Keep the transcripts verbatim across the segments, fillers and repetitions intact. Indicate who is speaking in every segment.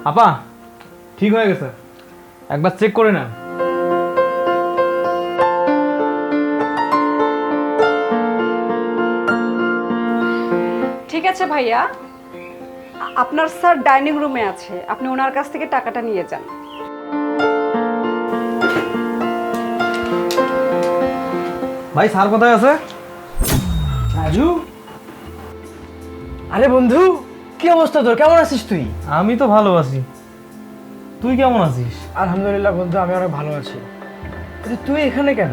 Speaker 1: আপা ঠিক হয়ে গেছে, একবার চেক করে নেন।
Speaker 2: ঠিক আছে ভাইয়া, আপনার স্যার ডাইনিং রুমে আছে, আপনি ওনার কাছ থেকে টাকাটা নিয়ে যান।
Speaker 1: ভাই স্যার কোথায় আছে?
Speaker 3: রাজু, আরে বন্ধু, কি অবস্থা তোর? কেমন আছিস তুই?
Speaker 1: আমি তো ভালো আছি, তুই কেমন আছিস?
Speaker 3: আলহামদুলিল্লাহ বন্ধু, আমি অনেক ভালো আছি। কিন্তু তুই এখানে কেন?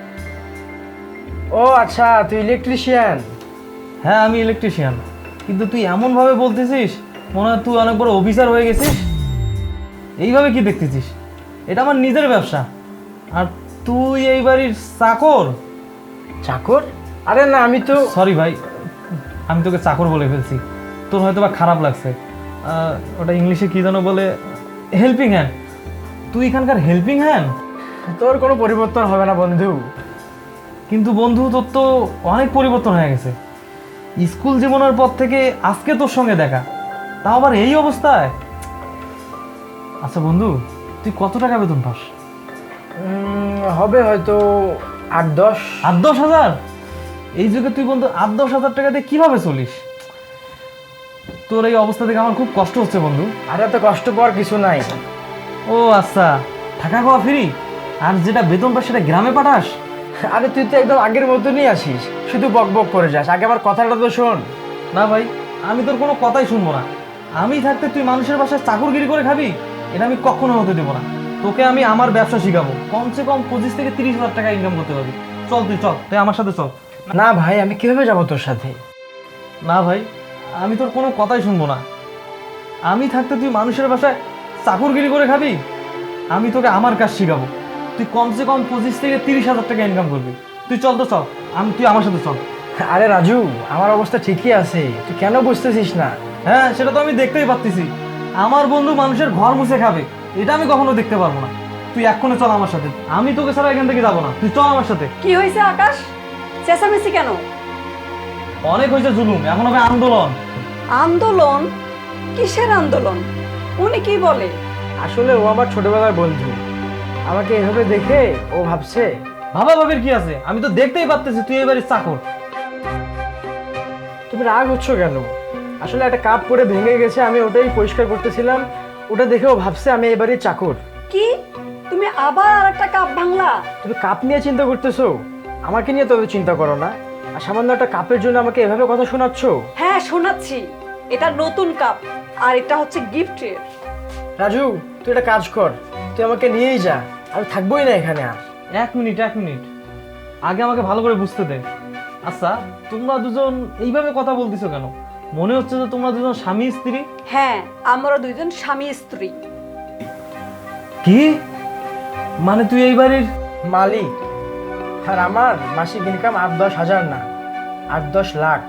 Speaker 3: ও আচ্ছা, তুই ইলেকট্রিশিয়ান।
Speaker 1: হ্যাঁ আমি ইলেকট্রিশিয়ান, কিন্তু তুই এমনভাবে বলতেছিস মনে হয় তুই অনেক বড় অফিসার হয়ে গেছিস। এইভাবে কি দেখতেছিস? এটা আমার নিজের ব্যবসা, আর তুই এই বাড়ির চাকর।
Speaker 3: চাকর? আরে না, আমি তো
Speaker 1: সরি ভাই, আমি তোকে চাকর বলে ফেলছি, তোর হয়তো বা খারাপ লাগছে। আহ, ওটা ইংলিশে কি যেন বলে, হেল্পিং হ্যান্ড। তুই এখানকার হেল্পিং হ্যান্ড?
Speaker 3: তোর কোনো পরিবর্তন হবে না বন্ধু।
Speaker 1: কিন্তু বন্ধু তোর তো অনেক পরিবর্তন হয়ে গেছে। স্কুল জীবনের পর থেকে আজকে তোর সঙ্গে দেখা, তাও আবার এই অবস্থায়। আচ্ছা বন্ধু, তুই কত টাকা বেতন পাস?
Speaker 3: উম, হবে হয়তো আট দশ।
Speaker 1: আট দশ হাজার? এই যুগে তুই বন্ধু আট দশ হাজার টাকা দিয়ে কিভাবে চলিস? তোর এই অবস্থা থেকে আমার খুব কষ্ট হচ্ছে বন্ধু।
Speaker 3: আর এত কষ্ট পাওয়ার কিছু নাই।
Speaker 1: ও আচ্ছা, থাকা খাওয়া ফ্রি, আর যেটা বেতন পাস সেটা গ্রামে পাঠাস?
Speaker 3: আরে তুই তো একদম আগের মতনই আসিস, শুধু বক বক করে যাস। আগে আমার কথাটা তো শোন।
Speaker 1: না ভাই, আমি তোর কোনো কথাই শুনবো না। আমি থাকতে তুই মানুষের বাসায় চাকরগিরি করে খাবি? এটা আমি কখনো হতে দেবো না। তোকে আমি আমার ব্যবসা শিখাবো, কমসে কম পঁচিশ থেকে তিরিশ হাজার টাকা ইনকাম করতে পারবি। চল তুই চল, তুই আমার সাথে চল।
Speaker 3: না ভাই, আমি কিভাবে যাবো তোর সাথে?
Speaker 1: না ভাই, আমি তোর কোনো কথাই শুনবো না। আমি থাকতে তুই মানুষের বাসায় চাকরগিরি করে খাবি? আমি তোকে আমার কাজ শিখাবো, তুই কমসে কম পঁচিশ থেকে তিরিশ হাজার টাকা ইনকাম করবি। তুই চল তো চল, আমি তুই আমার সাথে চল।
Speaker 3: আরে রাজু, আমার অবস্থা ঠিকই আছে, তুই কেন বুঝতেছিস না?
Speaker 1: হ্যাঁ সেটা তো আমি দেখতেই পাচ্ছি, আমার বন্ধু মানুষের ঘর মুছে খাবে, এটা আমি কখনো দেখতে পারবো না। তুই এক্ষুনি চল আমার সাথে, আমি তোকে ছাড়া এখান থেকে যাবো না। তুই চল আমার সাথে।
Speaker 2: কি হয়েছে আকাশ, চেঁচামেচি কেন?
Speaker 1: অনেক হয়েছে জুলুম, এখন হবে আন্দোলন।
Speaker 2: আন্দোলন? কিসের আন্দোলন? উনি কি বলে?
Speaker 3: আসলে ও আমার ছোটবেলার বন্ধু, আমাকে এভাবে দেখে ও ভাবছে।
Speaker 1: ভাবা ভাবির কি আছে, আমি তো দেখতেই পাচ্ছি তুই এবারে চাকর।
Speaker 3: তুমি রাগ হচ্ছ কেন? আসলে একটা কাপ পরে ভেঙে গেছে, আমি ওটাই পরিষ্কার করতেছিলাম, ওটা দেখে ও ভাবছে আমি এবারে চাকর।
Speaker 2: কি, তুমি আবার আরেকটা কাপ ভাঙলা?
Speaker 3: তুমি কাপ নিয়ে চিন্তা করতেছো, আমাকে নিয়ে তত চিন্তা করো না। আর সামান্য একটা কাপের জন্য আমাকে এভাবে কথা শোনাচ্ছ?
Speaker 2: হ্যাঁ শোনাচ্ছি, এটা নতুন কাপ, আর এটা হচ্ছে গিফটের।
Speaker 3: রাজু, তুই একটা কাজ কর, তুই আমাকে নিয়েই যা, আমি থাকবোই না এখানে আর।
Speaker 1: এক মিনিট এক মিনিট, আগে আমাকে ভালো করে বুঝতে দে। আচ্ছা তোমরা দুজন এইভাবে কথা বলতেছো কেন? মনে হচ্ছে যে তোমরা দুজন স্বামী স্ত্রী।
Speaker 2: হ্যাঁ, আমরা দুইজন স্বামী স্ত্রী।
Speaker 1: কি মানে তুই এই বাড়ির
Speaker 3: মালিক, আর আমার মাসিক ইনকাম আট দশ হাজার না, আট দশ লাখ।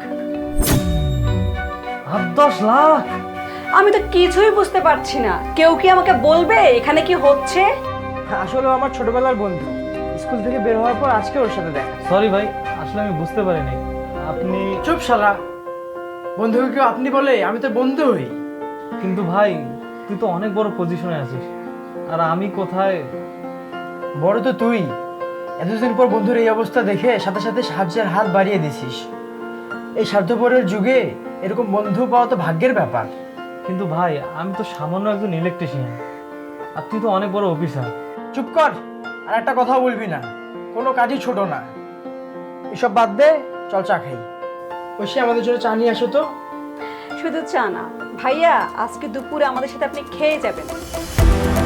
Speaker 1: আট দশ লাখ?
Speaker 2: আমি তো কিছুই বুঝতে পারছি না, কেউ কি আমাকে বলবে এখানে কি হচ্ছে?
Speaker 3: আসলে ও আমার ছোটবেলার বন্ধু, স্কুল থেকে বের হওয়ার পর আজকে ওর সাথে দেখা।
Speaker 1: সরি ভাই, আসলে আমি বুঝতে পারিনি। আপনি
Speaker 3: চুপ শালা, বন্ধুকে কেউ আপনি বলে? আমি তো বন্ধু হই।
Speaker 1: কিন্তু ভাই তুই তো অনেক বড় পজিশনে আছিস, আর আমি কোথায়?
Speaker 3: বড় তো তুই, এতদিন পর বন্ধুর এই অবস্থা দেখে সাথে সাথে সাহায্যের হাত বাড়িয়ে দিছিস। এই স্বার্থপরের যুগে এরকম বন্ধু পাওয়া তো ভাগ্যের ব্যাপার।
Speaker 1: কিন্তু ভাই আমি তো সামান্য একজন ইলেকট্রিশিয়ান, আর তুই তো অনেক বড় অফিসার।
Speaker 3: চুপ কর, আর একটা কথা বলবি না, কোনো কাজই ছোট না। এসব বাদ দে, চল চা খাই। ঐশী, আমাদের জন্য চা নিয়ে আসো তো।
Speaker 2: শুধু চা না ভাইয়া, আজকে দুপুরে আমাদের সাথে আপনি খেয়ে যাবেন।